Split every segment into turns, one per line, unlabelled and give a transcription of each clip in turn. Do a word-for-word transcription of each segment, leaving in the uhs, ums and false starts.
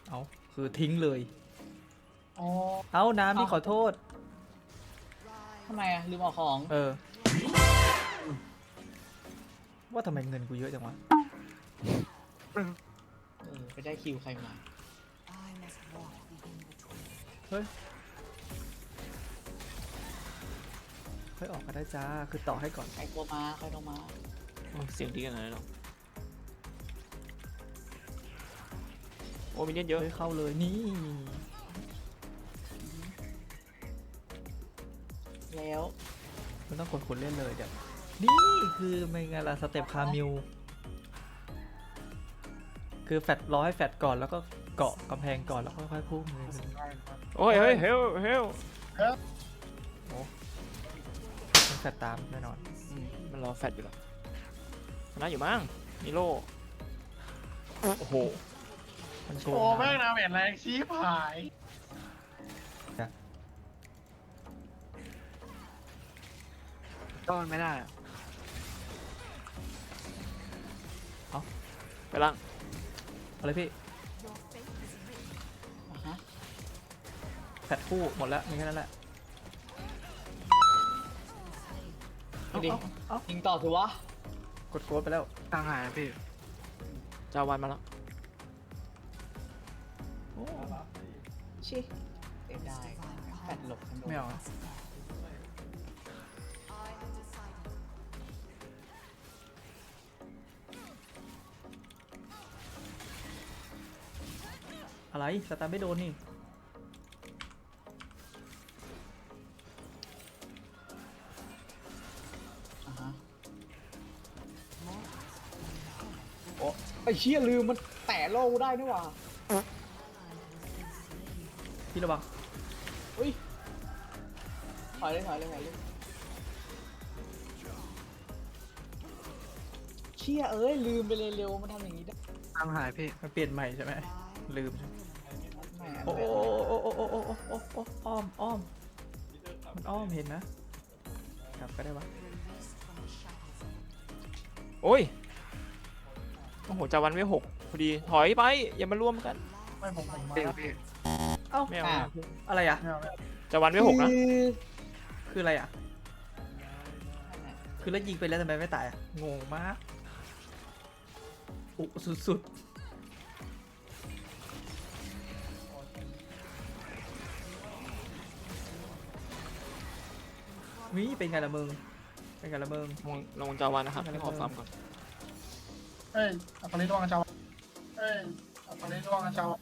เอาคือทิ้งเลย
อ๋อ
เอาน้ำที่ขอโทษ
ทำไมอะลืมเอาของ
เออ ว่าทำไมเงินกูเยอะจังวะ
เออไปได้คิวใครมา
เฮ้ยค่อยออกก็ได้จ้า คือต่อให้ก่อน
ใครโทรมาใครโทรมา
โอ้เสียงดีขนาดนั้นหรอโอ้มีเล่นเยอะ
เฮ้ยเข้าเลยนี่
แล้ว
มันต้องกดคนเล่นเลยเดี๋ยวนี่คือไม่ไงล่ะสเต็ปคามิวคือแฟดรอให้แฟดก่อนแล้วก็เกาะกำแพงก่อนแล้วค่อยๆพุ่งเลย
โอ้ยเฮ้ยเฮลเฮล
มันแฟดตามแน่นอน
อืมมันรอแฟดอยู่หรอชนะอยู่มั้งนิโร่โอ้โห
มันโก
โอ้
ง
แม่ง
นะ
นาเมจแรงชี้ผาย
ต้อนไม่ได้อะ
ไปล่าง
เอาเลยพี่
อ่ะฮะ
แฟดคู่หมดแล้วมีแค่นั้นแหละ
เอาดิ
เอา
ยิงต่อถือวะ
กดโกดไปแล้ว
กลางหายนะพี่
จาวันมาแล้ว
โอ้
ชิเสียดายแปดหลบกันโดน
ไม่เอาอะอะไรสตาร์ไม่โดนนี่
อ่ะฮะโอ้ไอ้เชี่ยลืมมันแตะโล่ได้นี่หว่า
พี่ระวัง
อุ้ยถอยเลยถอยเลยถอยเลยเชี่ยเอ้ยลืมไปเลยเร็วมันทำอย่างนี้ได้
กลางหายพี่
มันเปลี่ยนใหม่ใช่ไหมลืมใช่ไหม
แหม่
โอ้โอ้โอ้โอ้โอ้โอ้โอ้โอ้โอ้อ้อมอ้อมมันอ้อมเห็นนะกลับก็ได้วะ
โอ้ยโอ้โหจาวันไม่หกพอดีถอยไปอย่ามารวมกัน
ไม่ผมผมมา
พี่
แล้ว
พี่
เอ้า
ไม่เอา
อ่ะ
อะไรอ่ะ
ไม่เอาไม่เอา
จาวันไม่หกนะ
คือ
คืออะไรอ่ะคือแล้วยิงไปแล้วทำไมไม่ตายอ่ะงงมากอุสุดๆวิเป็นไงล่ะมึงเป็นไงล่ะมึง
ลงลงจาวันนะครับให้ขอฟาร์มก่อน
เอ้ยอัปริตระวังเจ้าเอ้ยอัปริตระวังเจ้า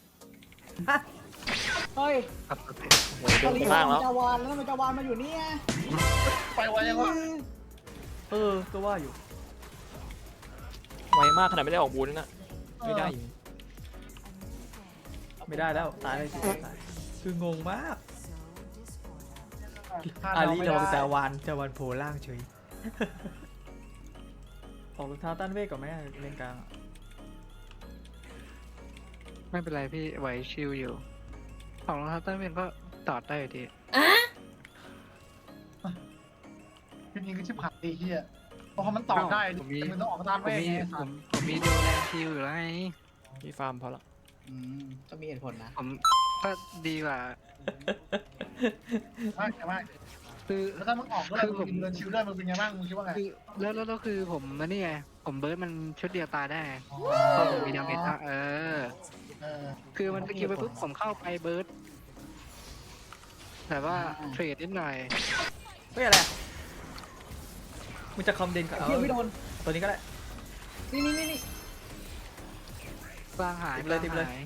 เฮ้ย
ครับพี่
โอ้โหเดินไปล่างแล้ว
จาวานแล้วทำไมจาวานมาอยู่เนี่ย
ไปไวยังวะ
เออก็ว่าอยู่
ไวมากขนาดไม่ได้ออกบูนนะไม่ได้อยู่
ไม่ได้แล้วตายเลยสิตายคืองงมาก
พลาด
อา
เรา
ลี
ไม่
ระวัง
ได้
จาวานจาวานโผล่ล่างเฉย ออกรองเท้าต้านเวทก่อนไหมเลนกลางอะ
ไม่เป็นไรพี่ไหวชิลอยู่ของรองเท้าเต้นเป็นก็ตอดได้อยู่ดี
ทีนี้ก็ชิบหายดีเฮียเพราะมันตอบได้
ผมมี
มันต้องออกตาม
ผ
แม่
มมี
ไง
ผมผมมีดูแลชิลอยู่แล้วไง
มีฟาร์มพอละ
อืมก็มีเหตุผลนะ
ผมก็ดีกว่า
ไม่ไม่
คือ
แล้วถ้ามึงออกด้วยมึงเดินชิวด้วยมึงเป็นไงบ้างมึงคิดว่าไง
คือแล้วแล้วแล้วคือผมมันนี่ไงผมเบิร์ดมันชุดเดียวตายได้ไงเพราะผมมีดาเมจอ่ะเออ
เออ
คือมันสกิลไปปุ๊บผมเข้าไปเบิร์ดแต่ว่าเทรดนิดหน่อย
เฮ้ยอะไรอะมึงจะคอมเดนกับ
เพี้ยไม่โดน
ตัวนี้ก็ได้
นี่นี่นี่นี่
กลางหาย
ติดเลยติดเลย
กางหา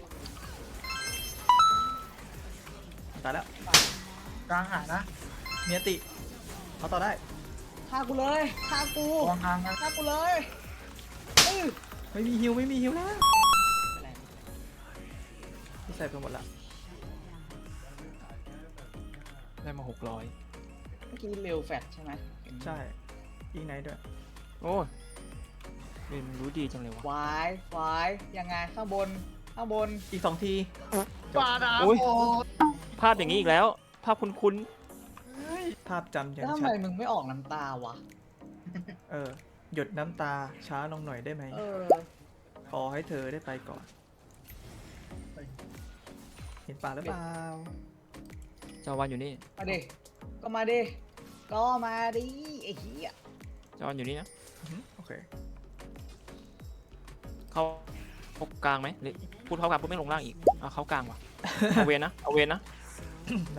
ตายแล้ว
กลางหายนะ
เมียติเขาต่อได้
ฆ่ากูเลยฆ่ากู
ระวังทางนะ
ฆ่ากูเลยเออ
ไม่มีฮิวไม่มีฮิวแล้ว
ไม่เป็นไร
พี่ใส่ไปหมดละ
ได้มาหกร้อย
เมื่อกี้เร็วแฟดใช่ไหม
ใช่ยิงไหนด้วย
โอ้ยเรียนรู้ดีจังเลยวะ
วายวายยังไงข้างบนข้างบน
อีกสองที
ปาดา
โอ้ย
โอ้
ภาพอย่างนี้อีกแล้ว ภาพคุ้น
ภาพจำยั
แล้ว
ง
ทำไม
ชัด
มึงไม่ออกน้ำตาวะ
เออหยดน้ำตาช้าลงหน่อยได้ไหม
เออ
ขอให้เธอได้ไปก่อนเห็นป่าหรือเปล่า
จาวันอยู่นี่
มาดิก็มาดิก็มาดิไอ้เหี้ย
จาวันอยู่นี่นะ
อือหือโอเค
เข้าเข้ากลางไหมหรือพูดเข้ากลางพูดไม่ลงล่างอีกเอาเข้ากลางว่ะ เอาเวนนะเอาเวนนะ
ได้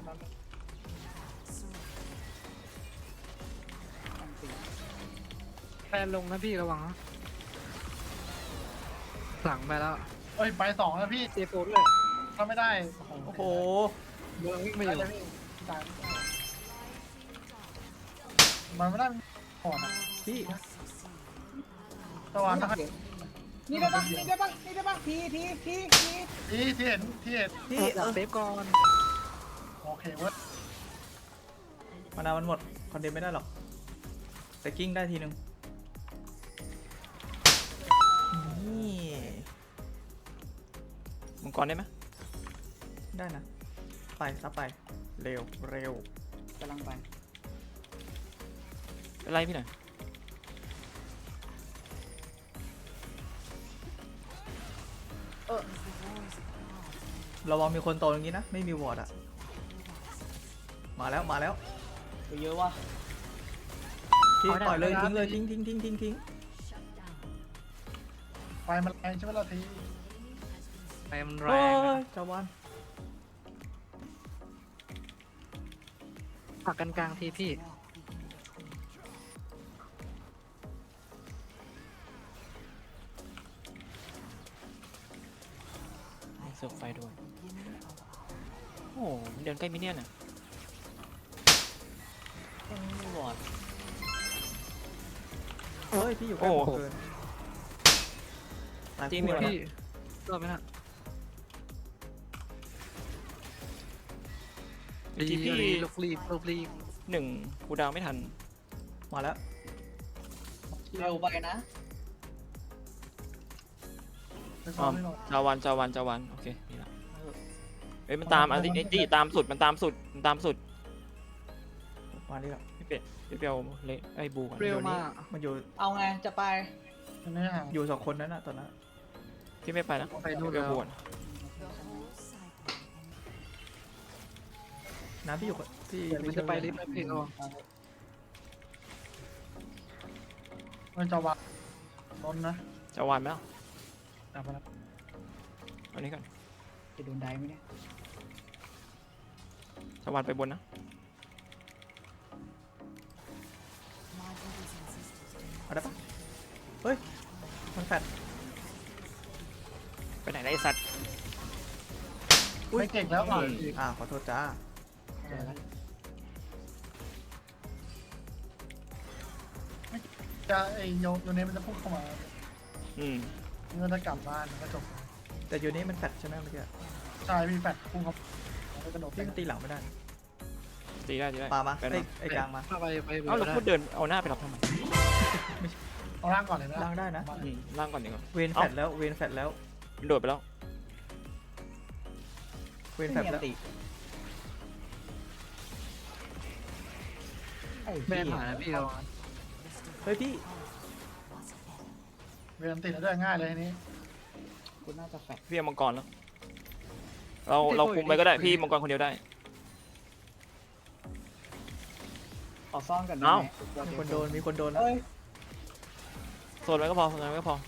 แฟนลงนะพี่ระวังนะหลังไปแล้ว
เอ้ยไปสองแล้วพี่
เจโฟนเลย
ทำไม่ได้
โอ้โห
เมืองวิ่ง
ไม่
มาอ
ได้
ยู่
พี่ตายมันไม่ได้ก่อนอะ
พี่
ตะวันนะครับ
นี่ได้ปะนี่ได้ปะนี่ได้ปะทีทีทีที
ที่ที่เห็นที่เห็น
พี่
อ
เอย
าก
อ
เซฟก่อน
โอเคเว้ย
มานามันหมดคอนเดนไม่ได้หรอกแต่กิ้งได้ทีนึงนี่
มังกรได้ไหม
ได้นะไปซับไปเร็วเร็ว
กำลังไป
ไล่พี่หน่อย
ระวังมีคนโตอย่างนี้นะไม่มีวอร์ดอะมาแล้วมาแล้ว
ไปเยอะว่ะ
พี่ปล่อยเลยทิ้งเลยทิ้งทิ้งทิ้งทิ้งทิ้ง
ไฟมันแรงใช่ไหมล่ะที
ไปมันแร
เฮ้
ง
ย
อะ
จาวัน
ผลักกันกลางทีพี่
เสือกไฟด้วยโอ้โหมันเดินใกล้มินเนี่ยนอ่ะ
ไม่บอด
เฮ้ยพี่อยู่ใกล้ผมเกินตาย
จริง
คู่
มี
แล้ว
วะ
นะ
พี่รอดไหมน่ะ
เมื่อกี้พี่
ลูกรีบลูกรีบ
หนึ่งกูดาวไม่ทัน
มาแล้ว
เร็วไปนะ
ไปซ้อมไม่ลง
จาวันจาวันจาวันโอเคนี่ละเอ้ยมันตามอันนี้นี่ตามสุดมันตามสุดมันตามสุด
มาดิครับ
พี่เป็ดพี่เปียวเละไอ้บูก่อน
เร็วมาก
มันอยู่
เอาไงจะไป
มันไม่ห่าง
อยู่สองคนนั้นนะตอนนั้น
พี่ไม่ไปนะ
ไปนู่น
เปียว
แล้ว
บูก่อน
น้ำพี่อยู่กับพี่
เดี๋ยวมันจะไปลิฟต์แล้วพี่ระวัง
มันจะวัดล้นนะ
จาวันไหมล่ะ
กลับมาแล้ว
เอานี้ก่อน
จะโดนได้ไหมเนี่ย
จาวันไปบนนะ
เอาได้ปะเฮ้ยมันแฟด
ไปไหนได้ไอ้สัตว์
ไม่เก่งแล้วอ่ะ
อ่าขอโทษจ้า
เจอแล้ว
จะไอโยโยเนมันจะพุ่งเข้ามา
อืม
มันจะกลับบ้านมันก็จบ
แต่อยู่นี่มันแฟดใช่ไหมเมื่อกี้
ใช่พี่แฟดพุ่งเข้ามันก็กระโดดไป
พี่มันตีหลังไม่ได้
ตีได้ตีได้
ปามา
ไป
ไอ้
นะ
ไอ้กลางมา
ถ้าไปไป
เอ้าเรา
ได้
พูดเดินเอาหน้าไปรับทำไม
เอาล่างก่อนเลยนะ
ล่างได้นะ
อืมล่างก่อนดีกว่า
เวนแฟดแล้วเวนแฟดแล้ว
มันโดดไปแล้ว
เวนแฟดแล้ว
ไอ้
แม่
เหี้ย
ผ่านนะพี่ระวัง
เฮ้ยพี่
เวลาติดแล้วด้วยง่ายเลยทีนี้
กูน่าจะแฟด
พี่เอามังกรแล้ว เราเราคุมไปก็ได้พี่มังกรคนเดียวได้
ขอซ่อนกันได้
เอ้า
ไหม
มีคนโดนมีคนโดนแล้ว
เอ้ย
โซนไว้ก็พอโซนไว้ก็พอ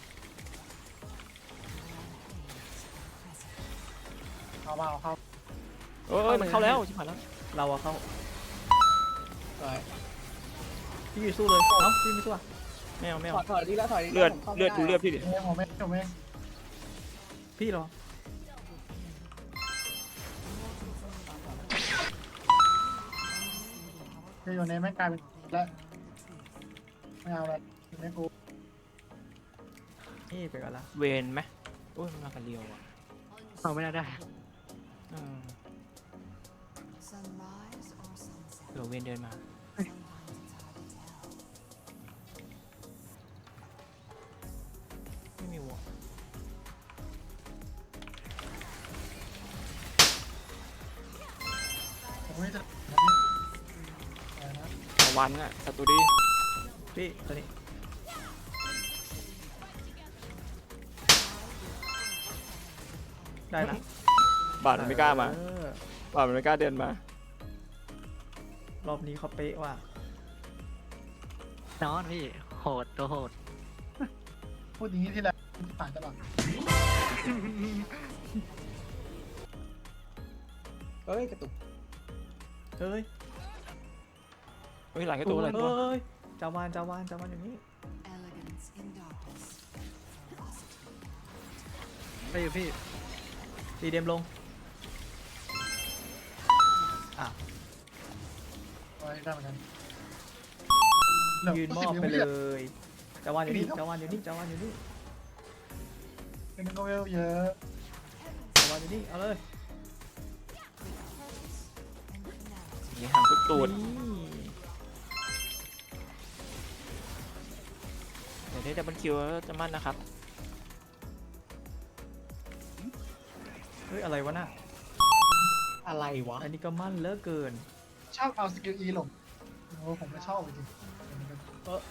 เอามาเอาเข้า
เอ้ยมันเข้าแล้วชิบหายแล้ว
เราอะเข้า
ถอย
พี่อยู่สู้เลยเอ้าพี่ไม่สู้อะ
ไม่เอาไม่
ถ
เอา
อยถอยดีแล้วถอยดี
เลือด
ผมข้าไม่
เลือดดู
ไ
เลือดพี่ดิ
เองผมเองผมเอง
พี่รอ
โยเนไม่กลายเป็นแล้วไม่เอาแล้วไม่กู
นี่ไปก่อนละ
เวนไหมโอ้ยมันมากันเรียวอ่ะ
เอาไม่ได้ได้
อืมเดี๋ยวเวนเดินมาไม่มีวอล
ผมไม่จะอะไรนะ
ตะวันอ่ะสตูดี
พี่ตัวนี้ได้นะ
บาทมันไม่กล้ามา
เออบ
าทมันไม่กล้าเดินมา
รอบนี้เขาเป๊ะว่ะ
นอนพี่โหดตัวโหด
พูดอย่างนี้ที่แล้วผ่านตลอด
เอ้ยกระตุก
เฮ้ย
เฮ้ยหลังแค่ตัวอะไรตัว
เฮ้ยจาวานจาวานจาวานอย่างนี้
Elegance in darkness.
ไปอยู่พี่
ตีเดมลงอ่ะ
ไว้ได้เหมือนกัน
ยืนมอบไปเลยจาวานอยู่นี่จาวานอยู่นี่จาวานอยู่นี่
เป็นก็เวลเยอะ
จาวานอยู่นี่เอาเลย
ยิงหางสุดตูด
นี่
เดี๋ยวได้ดับเบิลคิวแล้วจะมั่นนะครับ
เฮ้ยอะไรวะน่ะ
อะไรวะ
อันนี้ก็มั่นเหลือเกิน
ชอบเอาสกิลอีหลงโอ้ผมไม่ชอบจริง
เออ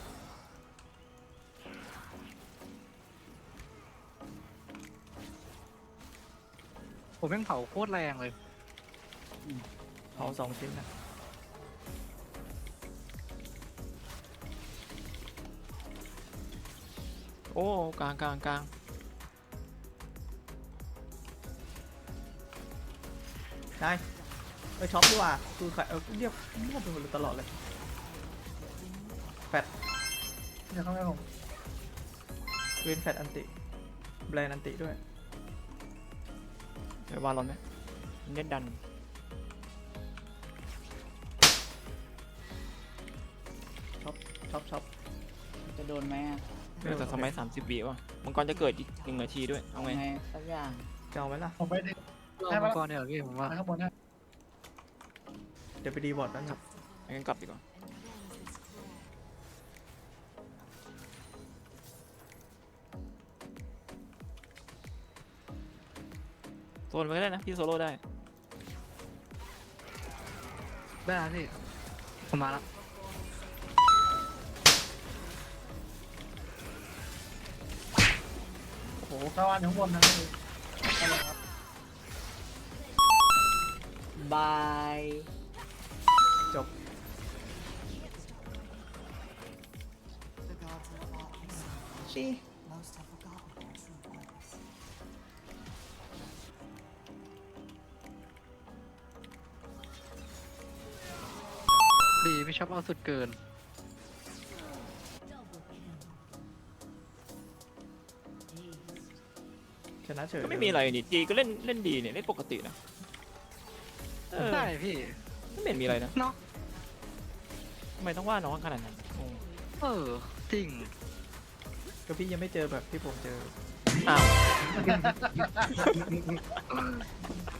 ผมแม่งเผาโคตรแรงเลย
เผาสองชิ้นนะ
โอ้กลางกลางกลาง
ได้เอ้ยช็อปดีกว่าคือใครเออเรียกเรียกไปหมดเลยตลอดเลยแฟด
เดี๋ยวเข้าไปผม
เวนแฟดอันติแบรนด์อันติด้วย
เดี๋ยววาลอนไหมเล่นดัน
ช็อปช็อป
จะโดนไหมอะ
เรื่องแต่สมัยสามสิบวิว่ะมังกรจะเกิดอีกหนึ่งนาทีด้วยเอาไง
ไงสักอย่าง
จะเอาไหมล่ะ
ผมไปดึง
รอ
ให้
มั
มาง
กรเนี่ยเหรอพี่ผมว่า
ข้างบนให้
เดี๋ยวไปดีบอร์ดนั่นครับ
งั้นกลับดีกว่าโซนไปก็ได้นะพี่โซโล่ได้
ได้แล้วพี่ผมมาแล้ว
โอ้โห
ตะวันอยู่ข้างบนนะเลยครับ
บาย
จบ
The gods have fought for some.
ชิ
Most have forgotten their true purpose.
ดีพี่ชอบเอาสุดเกิน
ชนะเฉย
ก็ไม่มีอะไรนี่จีก็เล่นเล่นดีเนี่ยเล่นปกตินะเออ
ได้พี่
ไม่เห็นมีอะไรนะ
เนาะ
ทำไมต้องว่าน้องขนาดนั้นงง
เออจริง
ก็พี่ยังไม่เจอแบบที่ผมเจอ
อ้าว